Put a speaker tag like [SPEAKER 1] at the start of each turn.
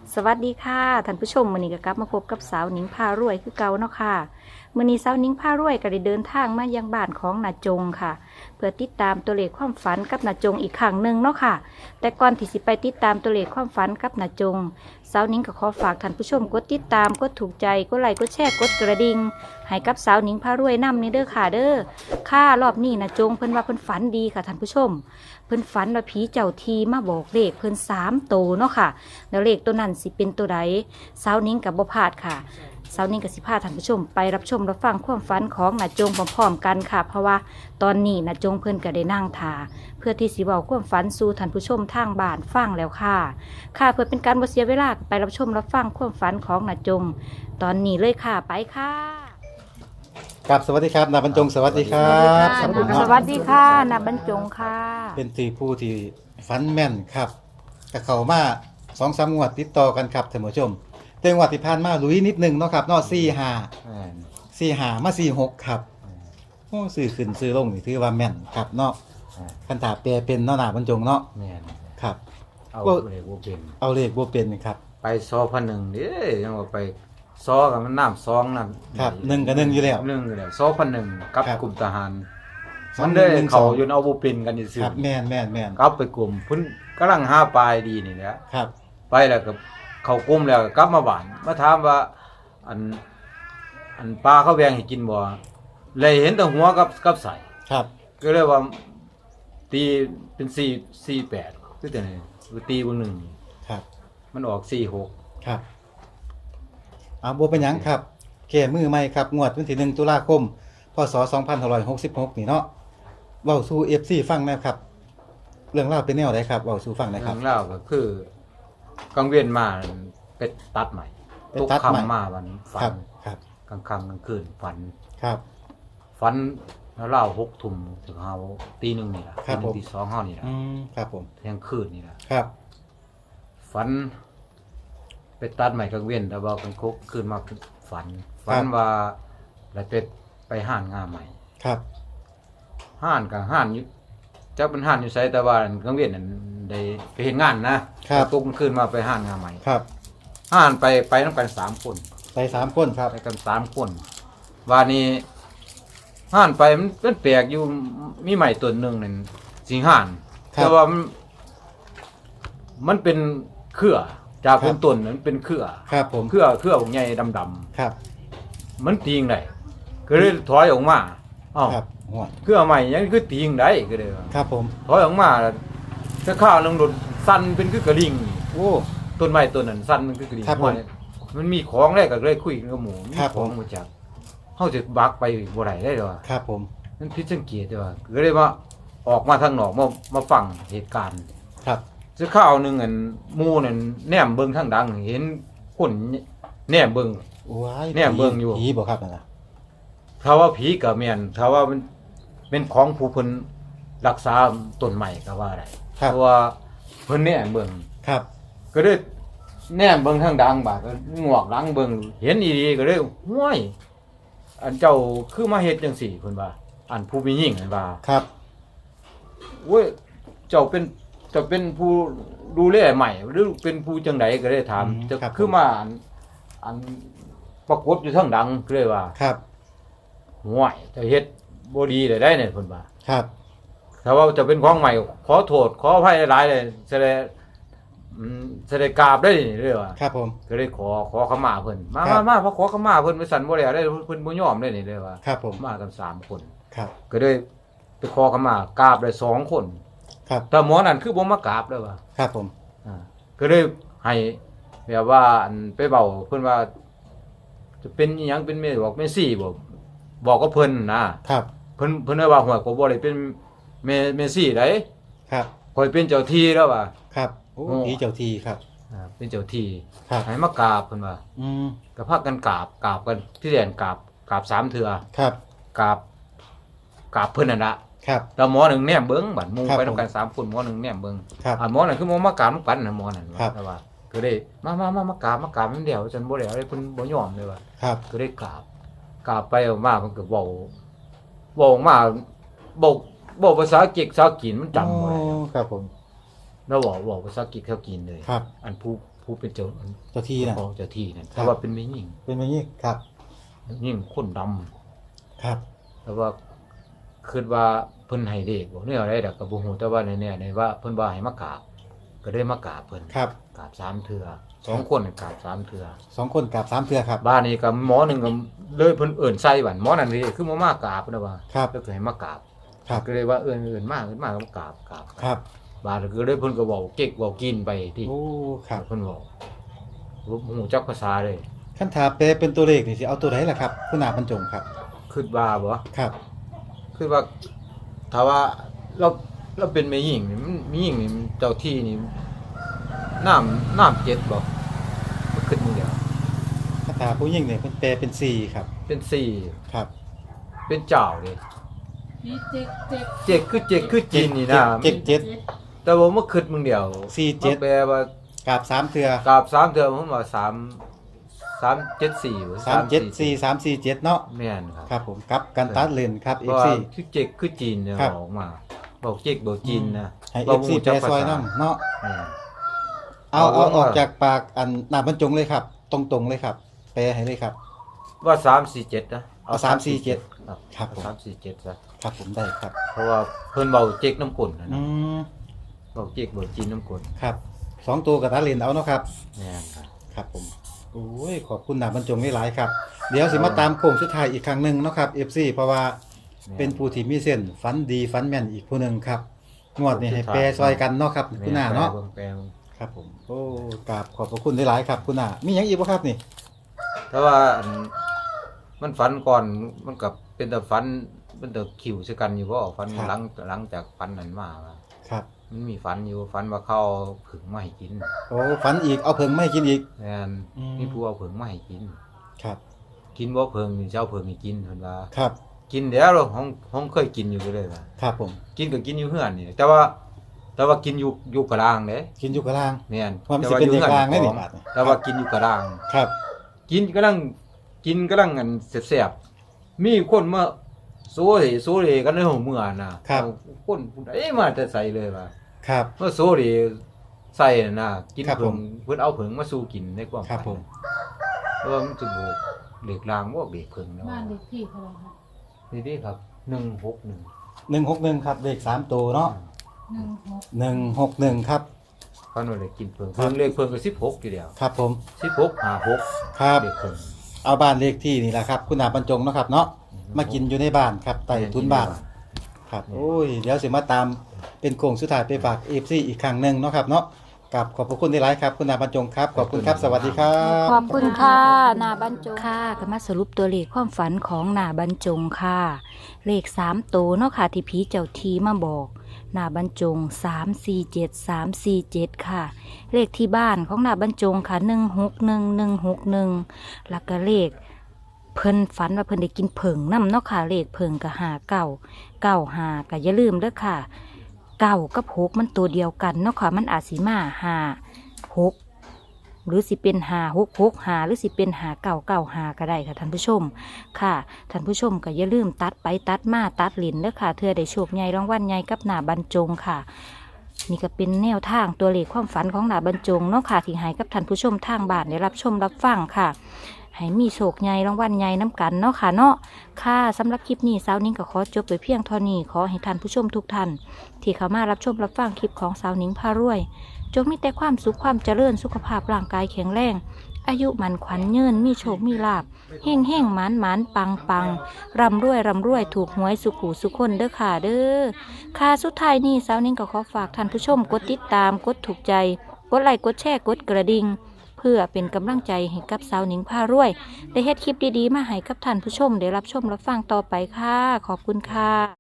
[SPEAKER 1] สวัสดีค่ะท่านผู้ชมมื้อนี้ก็กลับมาพบกับสาวหนิงพารวยคือเก่าเนาะค่ะมื้อนี้สาวหนิงพารวยก็ได้เดินทางมายังบ้านของนาจงค่ะเพื่อติดตามตัวเลขความฝันกับนาจงอีกครั้งหนึ่งเนาะค่ะแต่ก่อนที่สิไปติดตามตัวเลขความฝันกับนาจงสาวหนิงก็ขอฝากท่านผู้ชมกดติดตามกดถูกใจกดไลค์กดแชร์กดกระดิ่งให้กับสาวหนิงพารวยนำนี่เด้อค่ะเด้อค่ะรอบนี้นาจงเพิ่นว่าเพิ่นฝันดีค่ะท่านผู้ชมเพิ่นฝันว่าผีเจ้าทีมาบอกเลขเพิ่น3 โตวเนาะค่ะแล้วเลขตัวนั้นสิเป็นตัวใดสาวนิ้งกับบ่พลาดค่ะสาวนิ้งกับสิพาท่านผู้ชมไปรับชมรับฟังความฝันของนาจงพร้อมๆกันค่ะเพราะว่าตอนนี้นาจงเพิ่นก็ได้นั่งท่าเพื่อที่สิเว้าความฝันสู่ท่านผู้ชมทางบ้านฟังแล้วค่ะเพื่อเป็นการบ่เสียเวลาไปรับชมรับฟังความฝันของนาจงตอนนี้เลยค่ะไปค่ะ
[SPEAKER 2] ครับสวัสดีครับนาบรรจงสวัสดีครับ
[SPEAKER 1] สวัสดีค่ะนาบรรจงค่ะ
[SPEAKER 2] เป็นที่ผู้ที่ฟันแม่นครับกับเขามา2-3 งวดติดต่อกันครับท่านผู้ชมแต่งวดที่ผ่านมาลุยนิดนึงเนาะครับเนาะ4-5มา4-6ครับโอ้ซื้อขึ้นซื้อลงนี่ถือว่าแม่นครับเนาะคันถาแปลเป็นเนาะนาบรรจงเนาะ
[SPEAKER 3] แม่น
[SPEAKER 2] ครับ
[SPEAKER 3] เอาเลยบ่เป็น
[SPEAKER 2] เอาเลขบ่เป็นครับ
[SPEAKER 3] ไปซอพันหนึ่งเด้ยังว่าไปซอกับมันน้ำซองนั่น
[SPEAKER 2] ครับ1กับ1อยู่แล้ว
[SPEAKER 3] 1อยู่แล้วซอพันหนึ่งกับ
[SPEAKER 2] ครับ
[SPEAKER 3] กลุ่มทหาร
[SPEAKER 2] สอง
[SPEAKER 3] มันได้
[SPEAKER 2] หนึ่ง
[SPEAKER 3] เขา
[SPEAKER 2] สอง
[SPEAKER 3] อยู่เอาบ่เป็นกันซื่
[SPEAKER 2] ค
[SPEAKER 3] อ
[SPEAKER 2] รับแม่น
[SPEAKER 3] กลับไปกลุ่มเพิ่นกำลังหาปลายดีนี่แหละ
[SPEAKER 2] ครับ
[SPEAKER 3] ไปแล้วก็เข้ากลุ่มแล้วก็กลับมาบ้านมาถามว่าอันปลาเขาแบ่งให้กินบ่เลยเห็นแต่หัวกับใส่
[SPEAKER 2] ครับ
[SPEAKER 3] ก็เลยว่าตีเป็น448คือจังได๋ตีบ่หนึ่ง
[SPEAKER 2] ครับ
[SPEAKER 3] มันออก46
[SPEAKER 2] ครับเอาบ่เป็นหยังครับแก้มือใหม่ครับงวดวันที่1 ตุลาคมพศ2566นี่เนาะเว้าสู่ FC ฟังนะครับเรื่องราวเป็นแนวใดครับเว้าสู่ฟังหนะค
[SPEAKER 3] เรื่
[SPEAKER 2] รั
[SPEAKER 3] อบ งเล่าวก็คือกังเวียนมาไปตัดใหม่
[SPEAKER 2] ไป
[SPEAKER 3] ทุก
[SPEAKER 2] ตัดใหม่
[SPEAKER 3] คำมาวันฝั
[SPEAKER 2] ครั
[SPEAKER 3] น
[SPEAKER 2] บครับ
[SPEAKER 3] กลางค่ำกลางคืนฝัน
[SPEAKER 2] ครับ
[SPEAKER 3] ฝันแล้วเล่า6 ทุ่มถึงเฮาตี 1นี่ล่ะ
[SPEAKER 2] ครับผม
[SPEAKER 3] ตี 2เฮานี่ล่ะ
[SPEAKER 2] ครับผม
[SPEAKER 3] เที่ยงคืนนี่ล่ะ
[SPEAKER 2] ครับ
[SPEAKER 3] ฝันไปตัดใหม่กังเวียนแล้วว่ากลางคุกคืนมาฝันว่าแล้วไปห้านงานใหม่
[SPEAKER 2] ครับ
[SPEAKER 3] ห้านกับห้านอยู่จักเป็นห้านอยู่ไสแต่ว่ากังเวียนนั่นได้ไปเฮ็ดงานนะครับ ตกกลางคืนมาไปห้านงานใหม่
[SPEAKER 2] ครับ
[SPEAKER 3] ห้านไปนำกัน3 คน
[SPEAKER 2] ไป3 คนครับ
[SPEAKER 3] ไปกัน3 คนว่านี้ห้านไปมันแปลกอยู่มีใหม่ตัวหนึงนั่นสิห้าน
[SPEAKER 2] ครับ
[SPEAKER 3] แต่ว่ามันเป็นเครือจาก
[SPEAKER 2] ครับ
[SPEAKER 3] เป็นต้นนั้นเป็นเครือ
[SPEAKER 2] ครับผม
[SPEAKER 3] เครือพวกใหญ่ดำ
[SPEAKER 2] ครับ
[SPEAKER 3] ๆมันตีงได้ก็เลยถอยออกมาอ้าว
[SPEAKER 2] ครับหัว
[SPEAKER 3] เครือใหม่ยังคือตีงได้ก็เลยว่า
[SPEAKER 2] ครับผม
[SPEAKER 3] ถอยออกมาแล้วถ้าข้าวนึงโดนสั่นเป็นคือกระดิ่ง
[SPEAKER 2] โอ้
[SPEAKER 3] ต้นไม้ต้นนั้นสั่นมันคือกระดิ่ง
[SPEAKER 2] ครับผม
[SPEAKER 3] มันมีของได้ก็เลยคุยกับหมูมี
[SPEAKER 2] ครับ
[SPEAKER 3] ของ
[SPEAKER 2] ผม
[SPEAKER 3] มาจากเฮาจะบักไปบ่ได้ได้ดอก
[SPEAKER 2] ครับผม
[SPEAKER 3] มันผิดสังเกตเด้อว่าก็เลยว่าออกมาทางนอกมาฟังเหตุการณ์
[SPEAKER 2] ครับ
[SPEAKER 3] ซื้อข้าวหนึงอันหมู่นั่นแนมเบิ่งทางดังเห็นคนแนมเบิ่ง
[SPEAKER 2] ว้าย
[SPEAKER 3] เนี่ยเบิ่งอยู่
[SPEAKER 2] ผีบ่ครับนั่นน่ะ
[SPEAKER 3] ถ้าว่าผีก็แม่นถ้าว่ามันเป็นของผู้เพิ่นรักษาต้นไม้ก็ว่าได้
[SPEAKER 2] ครับ
[SPEAKER 3] เพราะว่าเพิ่นแนมเบิ่ง
[SPEAKER 2] ครับ
[SPEAKER 3] ก็เลยแนมเบิ่งทางดังบาดก็งวกหลังเบิ่งเห็นอีหลีก็เลยห้วยอันเจ้าคือมาเฮ็ดจังซี่เพิ่นว่าอันผู้มีหญิงนั่นว่า
[SPEAKER 2] ครับ
[SPEAKER 3] โอ้ยเจ้าเป็นผู้ดูแลใหม่หรือเป็นผู้จังไดก็เลยถามจะคือมาอันปรากฏอยู่ทางดังก็เลยว่า
[SPEAKER 2] ครับ
[SPEAKER 3] ห้วยเจะเฮ็ดบ่ดีได้เนี่ยเพิ่นว่า
[SPEAKER 2] ครับ
[SPEAKER 3] ถ้าว่าจะเป็นของใหม่ขอโทษขออภัยหลายๆเลยแสดงกราบได้นี่เลยว่า
[SPEAKER 2] ครับผม
[SPEAKER 3] ก็เลยขอขมาเพิ่นมา
[SPEAKER 2] ครับ
[SPEAKER 3] มาพอขอขมาเพิ่นไปสั่นบ่แล้วได้เพิ่นบ่ยอมได้นี่เลยว่า
[SPEAKER 2] ครับผม
[SPEAKER 3] มากัน3 คน
[SPEAKER 2] ครับ
[SPEAKER 3] ก็เลยไปขอขมากราบได้2 คน
[SPEAKER 2] ครับ
[SPEAKER 3] แต่หมอนั่นคือบ่มากราบเลยว่า
[SPEAKER 2] ครับผม
[SPEAKER 3] ก็เลยให้แบบว่าอันไปเว้าเพิ่นว่า จะเป็นอีหยังเป็นแม่บอกแม่ซี่บอกกับเพิ่นนะครับ เพิ่นได้ว่าหัวก็บ่ได้เป็นแม่ซี่ได
[SPEAKER 2] ครับ
[SPEAKER 3] ข่อยเป็นเจ้าที่แล้วว่า
[SPEAKER 2] ครับโอ้
[SPEAKER 3] โอ้
[SPEAKER 2] ผีเจ้าที่ครับ
[SPEAKER 3] เป็นเจ้าที่
[SPEAKER 2] ครับ
[SPEAKER 3] ให้มากราบเพิ่นว่า
[SPEAKER 2] อืม
[SPEAKER 3] ก็พากันกราบกันที่แดนกราบ3 เทื่อ
[SPEAKER 2] ครับ
[SPEAKER 3] กราบเพิ่นนั่นล่ะ
[SPEAKER 2] ครับ
[SPEAKER 3] แต่หมอหนึ่งแนมเบิ่งบัดหมู่
[SPEAKER 2] ครับ
[SPEAKER 3] ไปนำกัน3 คนหมอหนึ่งแนมเบิ่ง
[SPEAKER 2] ครับ
[SPEAKER 3] หมอนั่นคือหมอมากราบนำกันน่ะหมอนั่น
[SPEAKER 2] ครับ
[SPEAKER 3] แต่ว่าก็ได้มากราบมันเดียวจนบ่แล้วเพิ่นบ่ยอมเลยว่า
[SPEAKER 2] ครับ
[SPEAKER 3] ก็ได้กราบไปออกมาเพิ่นก็เว้าออกมาบอกภาษาอังกฤษภาษาจีนมันจำบ่ได้
[SPEAKER 2] โอ้ครับผม
[SPEAKER 3] แล้วเว้าภาษาอังกฤษเขากินเลย
[SPEAKER 2] ครับ
[SPEAKER 3] อันผู้ผู้เป็นเจ้า
[SPEAKER 2] เจ้าที่น่ะ
[SPEAKER 3] ของเจ้าที่นั่น
[SPEAKER 2] ครับ
[SPEAKER 3] แต่ว่าเป็นแม่หญิง
[SPEAKER 2] เป็นแบบนี้ครับ
[SPEAKER 3] ยิ่งคนดำ
[SPEAKER 2] ครับ
[SPEAKER 3] แต่ว่าคิดว่าเพิ่นให้เลขบ่เนี่ยอะไรดอกก็บ่ฮู้แต่ว่าในว่าเพิ่นว่าให้มากราบก็ได้มากราบเพิ่น
[SPEAKER 2] ครับ
[SPEAKER 3] กราบ3เทื่อ2คนกราบ3เทื่อ
[SPEAKER 2] 2 คนกับ3เทื่อครับ
[SPEAKER 3] บ้านนี้ก็หมอหนึงก็เลยเพิ่นเอิ้นใส่บัดหมอนั่นนี่คือบ่มากราบเพิ่นนะว่า
[SPEAKER 2] ครับ
[SPEAKER 3] แล้วก็ให้มากราบ
[SPEAKER 2] ครับ
[SPEAKER 3] ก็เลยว่าเอิ้นมาก็มากราบ
[SPEAKER 2] ครับ
[SPEAKER 3] บ้านก็เลยเพิ่นก็เว้าเก๊กเว้ากินไปที่
[SPEAKER 2] โอ้ครับ
[SPEAKER 3] เพิ่นเว้าบ่ฮู้จักภาษาเลย
[SPEAKER 2] คันถาแปลเป็นตัวเลขนี่สิเอาตัวไหนล่ะครับคุณอาบรรจงครับ
[SPEAKER 3] คิดว่าบ่
[SPEAKER 2] ครับ
[SPEAKER 3] คือว่าถ้าว่าเราเป็นแม่หญิงนี่มันแม่หญิงนี่มันเจ้าที่นี่น้ำเจ็ดบ่มันขึ้นมือเดียว
[SPEAKER 2] คันถาผู้หญิงนี่เพิ่นแปลเป็น4ครับ
[SPEAKER 3] เป็น4
[SPEAKER 2] ครับ
[SPEAKER 3] เป็นเจ้าเลย
[SPEAKER 4] นี่เจ็กเจ็ก
[SPEAKER 3] เจ็ดคือจีนนี่นะ
[SPEAKER 2] เจ็ดเจ็ด
[SPEAKER 3] แต่ว่ามันขึ้นมือเดียว
[SPEAKER 2] 4
[SPEAKER 3] มันแปลว่า
[SPEAKER 2] 7กับ3เทื่อก
[SPEAKER 3] ราบ3เทื่อผมว่า374
[SPEAKER 2] 3 7 4 3 4 7เนาะ
[SPEAKER 3] แม่นครับ
[SPEAKER 2] ครับผมกับกันตัดเลนครับ
[SPEAKER 3] เพราะว่า
[SPEAKER 2] FC
[SPEAKER 3] คือเจ็กคือจีนเนี่ย
[SPEAKER 2] ครับ
[SPEAKER 3] ออกมาบอกเจ็กบอกจีนนะ
[SPEAKER 2] ให้
[SPEAKER 3] บ่
[SPEAKER 2] FC
[SPEAKER 3] รู้
[SPEAKER 2] แป
[SPEAKER 3] จั
[SPEAKER 2] ล
[SPEAKER 3] กภา
[SPEAKER 2] ซอย
[SPEAKER 3] ษา
[SPEAKER 2] นำเนาะ
[SPEAKER 3] แม่น
[SPEAKER 2] เอา
[SPEAKER 3] เอา
[SPEAKER 2] ออก
[SPEAKER 3] ว่า
[SPEAKER 2] จากปากอันหน้าบรรจงเลยครับ ตรงๆเลยครับ แปลให้เลยครับ
[SPEAKER 3] ว่า347นะ
[SPEAKER 2] เอา347
[SPEAKER 3] ครับ
[SPEAKER 2] ครับผม
[SPEAKER 3] 347ซะ
[SPEAKER 2] ครับผมได้ครับ
[SPEAKER 3] เพราะว่าเพิ่นเบาเจ๊กน้ำกลนนะ
[SPEAKER 2] อื
[SPEAKER 3] นะ
[SPEAKER 2] ม
[SPEAKER 3] เบาเจ๊กเบาจีนน้ำกลน
[SPEAKER 2] ครับ2ตัวกับตัดเลนเอาเนาะครับ
[SPEAKER 3] แม่นครับ
[SPEAKER 2] ครับผมโอ้ยขอบคุณหน้าบรรจงหลายๆครับ เดี๋ยวสิมาตามโค้งสุดท้ายอีกครั้งหนึงเนาะครับ FC เพราะว่าเป็นผู้ที่มีเส้นฝันดีฝันแม่นอีกผู้หนึงครับงวดนี้ให้แปรซอยกันเนาะครับคุณหน้าเนาะ
[SPEAKER 3] แปลง
[SPEAKER 2] ครับผมโอ้กราบขอบพระคุณหลายๆครับคุณหน้ามีหยังอีกบ่ครับนี่
[SPEAKER 3] แต่ว่าอันมันฝันก่อนมันกับเป็นแต่ฝันเป็นแต่คิวซะกันอยู่บ่ฝันหลังจากฝันนั้นมาว่า
[SPEAKER 2] ครับ
[SPEAKER 3] มันมีฝันอยู่ฝันว่าเขาเอาผึ่งมาให้กิน
[SPEAKER 2] โอ้ฝันอีกเอาเพิงไม่กินอีก
[SPEAKER 3] แม่น
[SPEAKER 2] อืม
[SPEAKER 3] มีผู้เอาผึ่งมาให้กิน
[SPEAKER 2] ครับ
[SPEAKER 3] กินบ่ผึ่งนี่สิเจ้าผึ่งให้กินเพิ่นว่า
[SPEAKER 2] ครับ
[SPEAKER 3] กินแล้วเราห้องเคยกินอยู่เลยว่า
[SPEAKER 2] ครับผม
[SPEAKER 3] กินก็กินอยู่เฮือนนี่แต่ว่ากินอยู่กลางเด้
[SPEAKER 2] กินอยู่กับล่าง
[SPEAKER 3] แม่น
[SPEAKER 2] ว่ามันสิเป็นเด็กกลางได้นี่บาดนี่
[SPEAKER 3] แต่ว่ากินอยู่กลาง
[SPEAKER 2] ครับ
[SPEAKER 3] กินกำลังอันแซ่บๆมีคนมาโซเลกันในห้องเมื่อน่ะเอาคนผู้ใดมาแต่ใส่เลยว่า
[SPEAKER 2] ครับ
[SPEAKER 3] มาโซเลใส่น่ะกิน
[SPEAKER 2] ครับ
[SPEAKER 3] เพิ่ง
[SPEAKER 2] ผม
[SPEAKER 3] เพิ่นเอาเพิ่งมาสู่กินในความ
[SPEAKER 2] ครับผม
[SPEAKER 3] เพราะว่ามันจะบ่เหล็กลางบ่เบกเพิ่งแล้ว
[SPEAKER 4] บ้านเด็กที่เท่าไหร่คะ
[SPEAKER 3] นี่ครับ161
[SPEAKER 2] 161ครับเลข3ตัวเนาะ 161ครับ
[SPEAKER 3] เพิ่นว่าได้กินเพิ่ง
[SPEAKER 2] ครับ
[SPEAKER 3] เลขเพิ่งก็16อยู่แล้ว
[SPEAKER 2] ครับผม
[SPEAKER 3] 16 56
[SPEAKER 2] ครับ
[SPEAKER 3] เด็กเพิ่ง
[SPEAKER 2] เอาบ้านเลขที่นี่แหละครับ คุณหน้าบรรจงเนาะครับเนาะมากินอยู่ในบ้านครับใต้ทุนบ้านครับโอ้ยเดี๋ยวสิมาตามเป็นโค้งสุดท้ายไปฝาก FC อีกครั้งหนึงเนาะครับเนาะกับขอบพระคุณหลายๆครับคุณหน้าบรรจงครับขอบคุณครับสวัสดีครับ
[SPEAKER 1] ขอบคุณค่ะหนาบรรจงค่ะก็มาสรุปตัวเลขความฝันของหนาบรรจงค่ะ เลข3ตัวเนาะค่ะที่ผีเจ้าทีมาบอกหนาบรรจง347ค่ะ เลขที่บ้านของหนาบรรจงค่ะ161161แล้วก็เลขเพิ่นฝันว่าเพิ่นได้กินเผิงน้ำเนาะค่ะเลขเผิงกับ59 95ก็อย่าลืมเด้อค่ะ9กับ6มันตัวเดียวกันเนาะค่ะมันอาจสิมา5 6หรือสิเป็น5 6 6 5หรือสิเป็น5 9 9 5ก็ได้ค่ะท่านผู้ชมค่ะท่านผู้ชมก็อย่าลืมตัดไปตัดมาตัดหลินเด้อค่ะเทื่อได้โชคใหญ่รางวัลใหญ่กับหน้าบรรจงค่ะ นี่ก็เป็นแนวทางตัวเลขความฝันของหน้าบรรจงเนาะค่ะที่ให้กับท่านผู้ชมทางบ้านได้รับชมรับฟังค่ะ ให้มีโชคใหญ่รางวัลใหญ่น้ำกันเนาะค่ะเนาะค่ะสำหรับคลิปนี้สาวนิ้งก็ขอจบไปเพียงเท่านี้ขอให้ท่านผู้ชมทุกท่านที่เข้ามารับชมรับฟังคลิปของสาวนิ้งพารวย จงมีแต่ความสุขความเจริญสุขภาพร่างกายแข็งแรงอายุมันขวัญยืนมีโชคมีลาภเฮ่งเฮ่งหมานหมานปังปังร่ำรวยถูกหวยสุขหูสุขคนเด้อค่ะเด้อค่ะสุดท้ายนี้สาวนิ้งก็ขอฝากท่านผู้ชมกดติดตามกดถูกใจกดไลค์กดแชร์กดกระดิ่งเพื่อเป็นกำลังใจให้กับสาวนิ้งพารวยได้เฮ็ดคลิปดีๆมาให้กับท่านผู้ชมได้รับชมรับฟังต่อไปค่ะขอบคุณค่ะ